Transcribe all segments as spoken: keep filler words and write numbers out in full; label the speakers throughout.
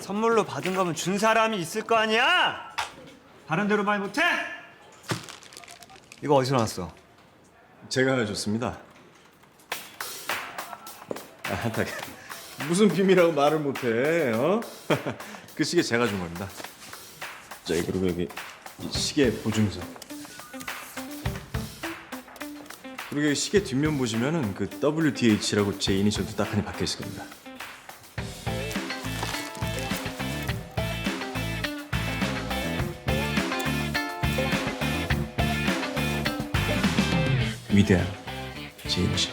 Speaker 1: 선물로 받은 거면 준 사람이 있을 거 아니야? 다른 데로 말 못해? 이거 어디서 나왔어?
Speaker 2: 제가 줬습니다. 아, 딱 무슨 비밀이라고 말을 못해? 어? 그 시계 제가 준 겁니다. 자, 그리고 여기 이 시계 보증서. 그리고 여기 시계 뒷면 보시면은 그 더블유티에이치라고 제 이니셜도 딱하니 박혀 있을 겁니다. 위대한 제 이니셜.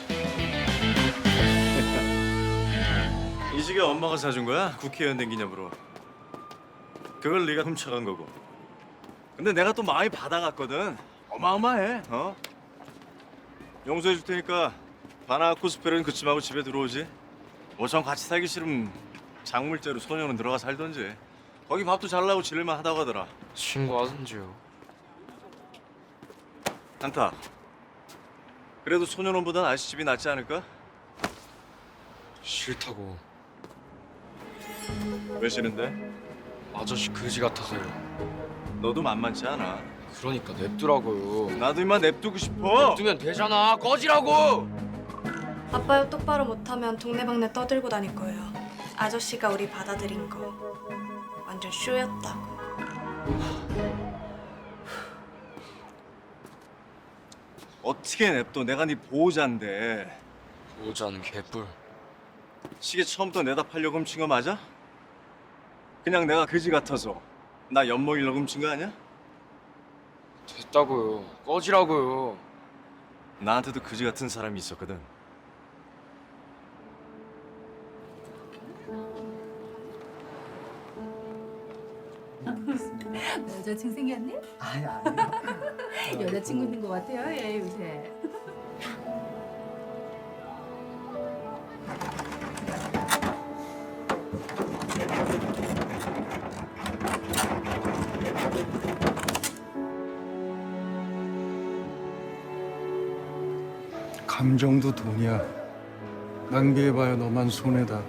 Speaker 2: 이 시계 엄마가 사준 거야? 국회의원 된 기념으로. 그걸 네가 훔쳐간 거고. 근데 내가 또 많이 받아갔거든. 어마어마해. 어? 용서해 줄 테니까 바나 코스프레는 그쯤하고 집에 들어오지. 뭐 전 같이 살기 싫으면 작물째로 소녀는 들어가 살던지. 거기 밥도 잘 나고 지낼만 하다고 하더라.
Speaker 3: 신고하든지요.
Speaker 2: 한타. 그래도 소년원보단 아저씨 집이 낫지 않을까?
Speaker 3: 싫다고.
Speaker 2: 왜 싫은데?
Speaker 3: 아저씨 그지 같아서요.
Speaker 2: 너도 만만치 않아.
Speaker 3: 그러니까 냅두라고요.
Speaker 2: 나도 이만 냅두고 싶어.
Speaker 3: 냅두면 되잖아. 꺼지라고.
Speaker 4: 아빠요 똑바로 못하면 동네방네 떠들고 다닐 거예요. 아저씨가 우리 받아들인 거 완전 쇼였다고.
Speaker 2: 어떻게 냅둬? 내가 네 보호자인데.
Speaker 3: 보호자는 개뿔.
Speaker 2: 시계 처음부터 내다 팔려고 훔친 거 맞아? 그냥 내가 그지 같아서 나 엿먹이려고 훔친 거 아니야?
Speaker 3: 됐다고요. 꺼지라고요.
Speaker 2: 나한테도 그지 같은 사람이 있었거든.
Speaker 5: 여자친구 생겼네?
Speaker 6: 아니 아니.
Speaker 5: 여자친구 있는 것 같아요, 얘 요새.
Speaker 6: 감정도 돈이야. 낭비해봐야 너만 손해다.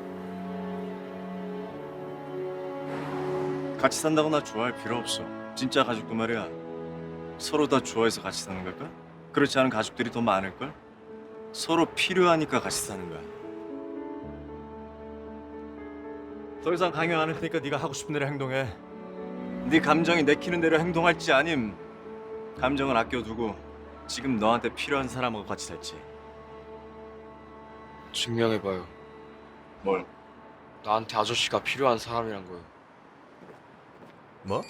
Speaker 2: 같이 산다고 나 좋아할 필요 없어. 진짜 가족도 말이야. 서로 다 좋아해서 같이 사는 걸까? 그렇지 않은 가족들이 더 많을걸? 서로 필요하니까 같이 사는 거야. 더 이상 강요 안 할 테니까 네가 하고 싶은 대로 행동해. 네 감정이 내키는 대로 행동할지 아님 감정을 아껴두고 지금 너한테 필요한 사람하고 같이 살지.
Speaker 3: 증명해봐요.
Speaker 2: 뭘?
Speaker 3: 나한테 아저씨가 필요한 사람이란 거요.
Speaker 2: 뭐?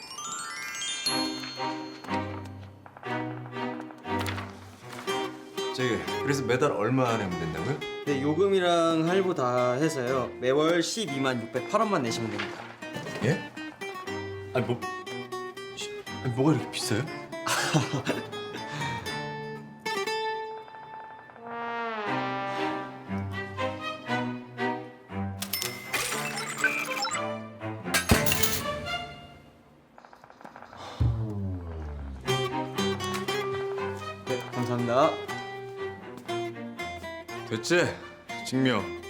Speaker 2: 저기 그래서 매달 얼마 내면 된다고요?
Speaker 7: 네, 요금이랑 할부 다 해서요. 매월 십이만 육백팔 원만 내시면 됩니다.
Speaker 2: 예? 아니 뭐... 씨, 아니, 뭐가 이렇게 비싸요?
Speaker 7: 네, 감사합니다.
Speaker 2: 됐지? 증명.